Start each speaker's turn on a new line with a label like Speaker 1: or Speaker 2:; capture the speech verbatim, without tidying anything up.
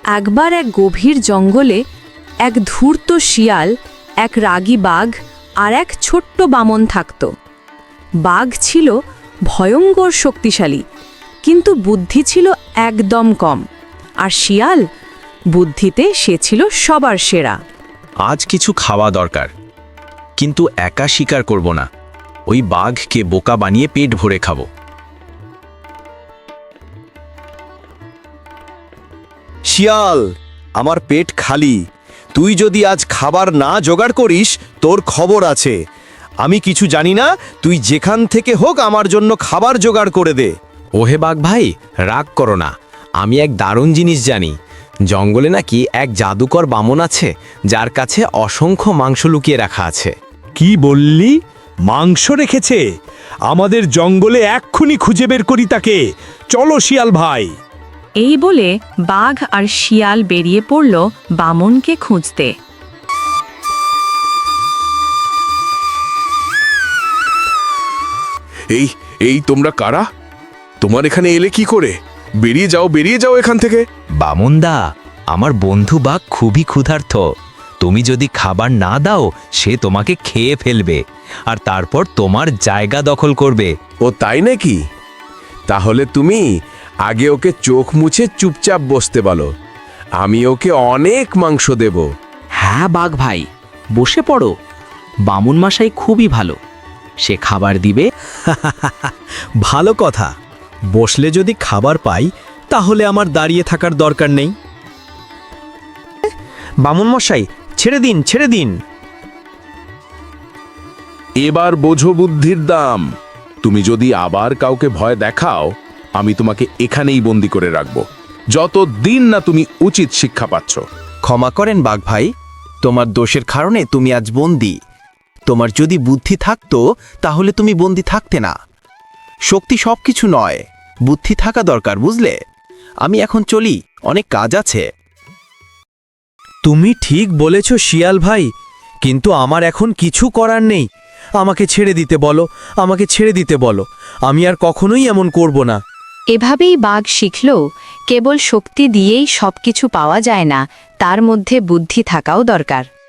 Speaker 1: একবার এক গভীর জঙ্গলে এক ধূর্ত শিয়াল, এক রাগী বাঘ আর এক ছোট্ট বামন থাকত। বাঘ ছিল ভয়ঙ্কর শক্তিশালী, কিন্তু বুদ্ধি ছিল একদম কম, আর শিয়াল বুদ্ধিতে সে ছিল সবার সেরা।
Speaker 2: আজ কিছু খাওয়া দরকার, কিন্তু একা শিকার করব না। ওই বাঘকে বোকা বানিয়ে পেট ভরে খাবো।
Speaker 3: শিয়াল, আমার পেট খালি। তুই যদি আজ খাবার না জোগাড় করিস, তোর খবর আছে। আমি কিছু জানি না, তুই যেখান থেকে হোক আমার জন্য খাবার জোগাড় করে দে।
Speaker 2: ওহে বাঘ ভাই, রাগ করো না। আমি এক দারুণ জিনিস জানি। জঙ্গলে নাকি এক জাদুকর বামন আছে, যার কাছে অসংখ্য মাংস লুকিয়ে রাখা আছে।
Speaker 4: কি বললি? মাংস রেখেছে? আমাদের জঙ্গলে এক্ষুনি খুঁজে বের করি তাকে। চলো শিয়াল ভাই।
Speaker 1: এই বলে বাঘ আর শিয়াল বেরিয়ে পড়ল বামনকে খুঁজতে।
Speaker 5: এই এই তোমরা কারা? তোমার এখানে এলে কি করে? বেরিয়ে যাও, বেরিয়ে যাও এখান থেকে।
Speaker 2: বামনদা, আমার বন্ধু বাঘ খুবই ক্ষুধার্ত। তুমি যদি খাবার না দাও, সে তোমাকে খেয়ে ফেলবে আর তারপর তোমার জায়গা দখল করবে।
Speaker 5: ও তাই নাকি? তাহলে তুমি আগে ওকে চোখ মুছে চুপচাপ বসতে বলো। আমি ওকে অনেক মাংস দেব।
Speaker 6: হ্যাঁ বাঘ ভাই, বসে পড়ো। বামুন মশাই খুবই ভালো, সে খাবার দিবে।
Speaker 3: ভালো কথা। বসলে যদি খাবার পাই, তাহলে আমার দাঁড়িয়ে থাকার দরকার নেই। বামুন মশাই, ছেড়ে দিন, ছেড়ে দিন।
Speaker 5: এবার বোঝো বুদ্ধির দাম। তুমি যদি আবার কাউকে ভয় দেখাও, আমি তোমাকে এখানেই বন্দি করে রাখব, যতদিন না তুমি উচিত শিক্ষা পাচ্ছ।
Speaker 3: ক্ষমা করেন বাঘ ভাই, তোমার দোষের কারণে তুমি আজ বন্দি। তোমার যদি বুদ্ধি থাকতো, তাহলে তুমি বন্দি থাকতে না। শক্তি সবকিছু নয়, বুদ্ধি থাকা দরকার, বুঝলে? আমি এখন চলি, অনেক কাজ আছে। তুমি ঠিক বলেছ শিয়াল ভাই, কিন্তু আমার এখন কিছু করার নেই। আমাকে ছেড়ে দিতে বলো, আমাকে ছেড়ে দিতে বলো। আমি আর কখনোই এমন করব না।
Speaker 1: এভাবেই বাঘ শিখল, কেবল শক্তি দিয়েই সবকিছু পাওয়া যায় না, তার মধ্যে বুদ্ধি থাকাও দরকার।